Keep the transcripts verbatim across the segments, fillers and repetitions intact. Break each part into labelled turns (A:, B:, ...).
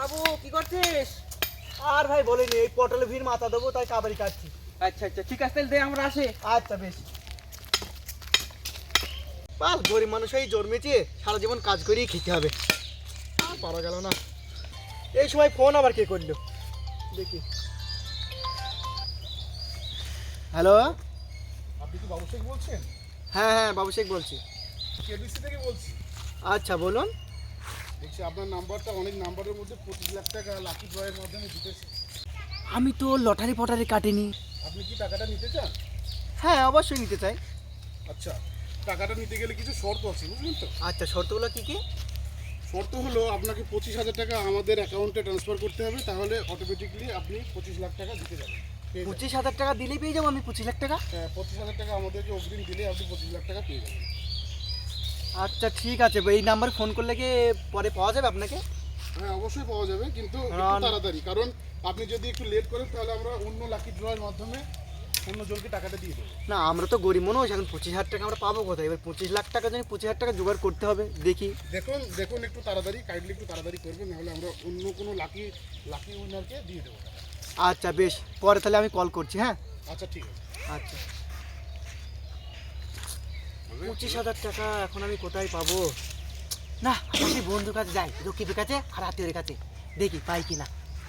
A: বাবু কি করছিস?
B: আর ভাই বলিনি, এই পটলে ভিড় মাথা দেবো তাই কাবারি কাটছি।
A: আচ্ছা আচ্ছা ঠিক আছে, তাহলে দে আমরা আসি।
B: আচ্ছা বেশ। পাল গরিব মানুষ এই জন্মেছে, সারা জীবন কাজ করেই খেতে হবে, আর পারা গেল না। এই সময় ফোন আবার কে করলো দেখি। হ্যালো,
C: আপনি কি বাবু শেখ বলছেন?
B: হ্যাঁ হ্যাঁ বাবু শেখ বলছি।
C: কেবিসি থেকে বলছি।
B: আচ্ছা বলুন।
C: দেখছি আপনার নাম্বারটা অনেক নাম্বারের মধ্যে পঁচিশ লাখ টাকা লাকি ড্রয়ের মাধ্যমে জিতেছে।
B: আমি তো লটারি ফটারি কাটিনি।
C: আপনি কি টাকাটা নিতে চান?
B: হ্যাঁ অবশ্যই নিতে চাই।
C: আচ্ছা, টাকাটা নিতে গেলে কিছু শর্ত আছে, বুঝলেন তো?
B: আচ্ছা শর্তগুলো কি কি?
C: শর্ত হলো আপনাকে পঁচিশ হাজার টাকা আমাদের অ্যাকাউন্টে ট্রান্সফার করতে হবে, তাহলে অটোমেটিকলি আপনি পঁচিশ লাখ টাকা জিতে যাবেন। পেয়ে যাবেন।
B: পঁচিশ হাজার টাকা দিলেই পেয়ে যাবো আমি পঁচিশ লাখ টাকা?
C: হ্যাঁ, পঁচিশ হাজার টাকা আমাদেরকে অগ্রিম দিলে আপনি পঁচিশ লাখ টাকা পেয়ে যাবেন।
B: আচ্ছা ঠিক আছে, এই নাম্বারে ফোন করলে কি পরে পাওয়া যাবে আপনাকে?
C: হ্যাঁ অবশ্যই পাওয়া যাবে, কিন্তু একটু
B: আর-
C: তাড়াতাড়ি, কারণ আপনি যদি একটু লেট করেন তাহলে আমরা অন্য লাকি ড্রয়ের মাধ্যমে অন্য জনকে টাকাটা দিয়ে দেবো।
B: না আমরা তো গরিব মানুষ, এখন পঁচিশ হাজার টাকা আমরা পাবো কোথায়? এবার পঁচিশ লাখ টাকা জন্য পঁচিশ হাজার টাকা জোগাড় করতে হবে, দেখি।
C: দেখুন দেখুন একটু তাড়াতাড়ি, কাইন্ডলি একটু তাড়াতাড়ি করবেন, নাহলে আমরা অন্য কোনো লাকি লাকি উইনারকে দিয়ে দেবো।
B: আচ্ছা বেশ, পরে তাহলে আমি কল করছি। হ্যাঁ
C: আচ্ছা ঠিক আছে।
B: আচ্ছা। পঁচিশ হাজার টাকা এখন আমি কোথায় পাবো? না আমি বন্ধুর কাছে যাই, রকিবের কাছে আর আত্মীয়ের কাছে, দেখি পাই কি না।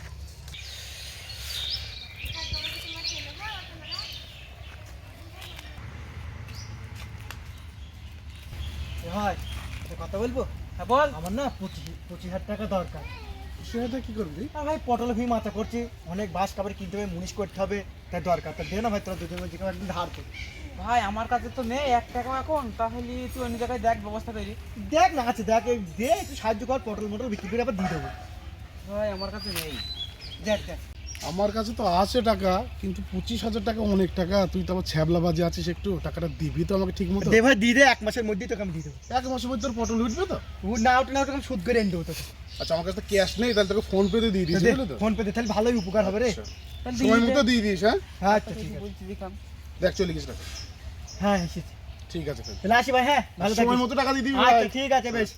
B: ভাই একটা কথা বলবো?
A: হ্যাঁ বল।
B: আমার না পঁচিশ পঁচিশ হাজার টাকা দরকার।
C: সেটা কি করবি?
B: আর ভাই পটল ভি মাথা করছি, অনেক বাস কাপড় কিনতে হবে, মুনিশ করতে হবে, তাই দরকার। তা দে না ভাই, তোরা দুজন যেখানে একদিন ধার করি।
A: ভাই আমার কাছে তো নেই এক টাকা এখন, তাহলে তুই অন্য জায়গায় দেখ ব্যবস্থা করি।
B: দেখ না আছে, দেখ এই দে, একটু সাহায্য কর, পটল মটল বিক্রি করে আবার দিয়ে দেবো।
A: ভাই আমার কাছে নেই।
B: দেখ দেখ।
C: আমার কাছে তো আছে টাকা, কিন্তু পঁচিশ হাজার টাকা অনেক টাকা, তুই তো আবার ছ্যাবলা বাজে আছিস, একটু টাকাটা দিবি তো আমাকে ঠিক মতো?
B: দে ভাই দিয়ে দে, এক মাসের মধ্যেই তোকে আমি দিয়ে দেবো।
C: এক মাসের মধ্যে তোর পটল উঠবে তো?
B: ও না ওটা না ওটা আমি সুদ করে এনে দেবো তোকে।
C: আচ্ছা, আমার কাছে তো ক্যাশ নেই, তাহলে তোকে ফোন পেতে দিয়ে দিয়েছি, বুঝলি তো?
B: ফোন পে দে, তাহলে ভালোই উপকার হবে রে।
C: আচ্ছা,
A: তাহলে
C: সময়
A: দিয়ে দে।
C: মতো দিয়ে দিস। হ্যাঁ
B: হ্যাঁ আচ্ছা ঠিক আছে।
A: বলছি দেখাম।
C: দেখ চলে গেছে টাকা।
B: হ্যাঁ এসেছি।
C: ঠিক আছে তাহলে।
B: তাহলে আসি ভাই। হ্যাঁ ভালো
C: সময়
B: থাকিস।
C: মতো টাকা দিয়ে দিবি
B: আচ্ছা
C: ভাই।
B: ঠিক আছে বেশ।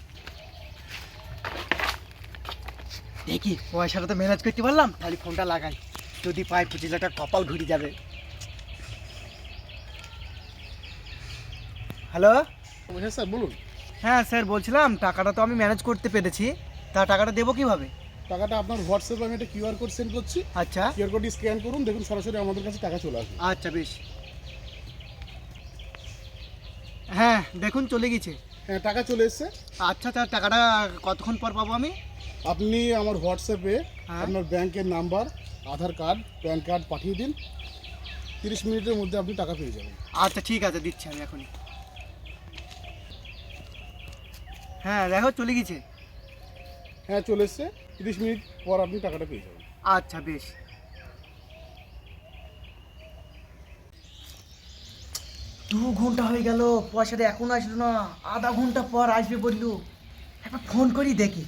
B: দেখি পয়সাটা তো ম্যানেজ করতে পারলাম, তাহলে ফোনটা লাগাই, যদি পাই পঁচিশ লাখ টাকা কপাল ঘুরে যাবে। হ্যালো।
C: হ্যাঁ স্যার বলুন।
B: হ্যাঁ স্যার বলছিলাম টাকাটা তো আমি ম্যানেজ করতে পেরেছি, তা টাকাটা দেবো কিভাবে?
C: টাকাটা আপনার হোয়াটসঅ্যাপে আমি একটা কিউআর কোড সেন্ড করছি,
B: আচ্ছা
C: কিউআর কোডটি স্ক্যান করুন, দেখুন সরাসরি আমাদের কাছে টাকা চলে আসবে।
B: আচ্ছা বেশ। হ্যাঁ দেখুন চলে গেছে।
C: হ্যাঁ টাকা চলে এসেছে।
B: আচ্ছা তার টাকাটা কতক্ষণ পর পাবো আমি?
C: আপনি আমার হোয়াটসঅ্যাপে
B: হ্যাঁ।
C: আপনার ব্যাংকের number, Aadhaar card, PAN card পাঠিয়ে দিন, তিরিশ মিনিটের মধ্যে আপনি টাকা পেয়ে যাবেন।
B: আচ্ছা ঠিক আছে, দিচ্ছি আমি এখনই। হ্যাঁ দেখো চলে গেছে।
C: হ্যাঁ চলে এসছে, তিরিশ মিনিট পর আপনি টাকাটা পেয়ে যাবেন।
B: আচ্ছা বেশ। দু ঘন্টা হয়ে গেল, পয়সাটা এখনো আসলো না, আধা ঘন্টা পর আসবে বললো। একবার ফোন করি দেখি।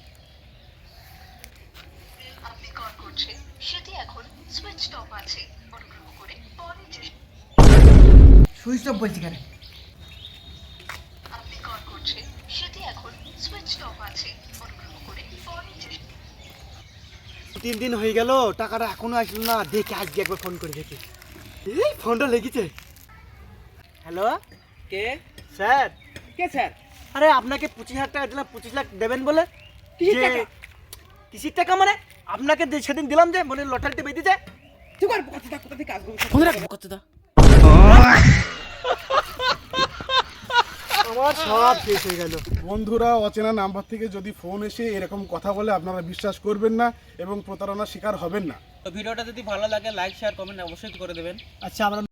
D: আপনি কল করছেন সেটি এখন সুইচ অফ আছে, অনুগ্রহ করে পরে চেষ্টা।
B: সুইচ অফ বলছি কেন?
D: আপনি কল করছেন সেটি এখন সুইচ অফ আছে, অনুগ্রহ করে পরে চেষ্টা।
B: তিন দিন হয়ে গেল, টাকাটা এখনো আসলো না, দেখি আজকে একবার ফোন করে দেখি। এই ফোনটা লেগেছে। হ্যালো
A: কে?
B: স্যার।
A: কে স্যার?
B: আরে আপনাকে পঁচিশ হাজার টাকা দিলাম, পঁচিশ লাখ দেবেন বলে।
A: কিসের
B: যে-
A: টাকা?
B: কিসের টাকা মানে? আপনাকে যে সেদিন দিলাম যে মানে লটারিতে বেঁধেছে।
A: তুই কর কথা কোথা থেকে আসবো?
B: ফোন রাখ কথা। আমার সব শেষ হয়ে গেল।
C: বন্ধুরা, অচেনা নাম্বার থেকে যদি ফোন এসে এরকম কথা বলে আপনারা বিশ্বাস করবেন না এবং প্রতারণার শিকার হবেন না।
A: তো ভিডিওটা যদি ভালো লাগে লাইক শেয়ার কমেন্ট অবশ্যই করে দেবেন।
B: আচ্ছা আমরা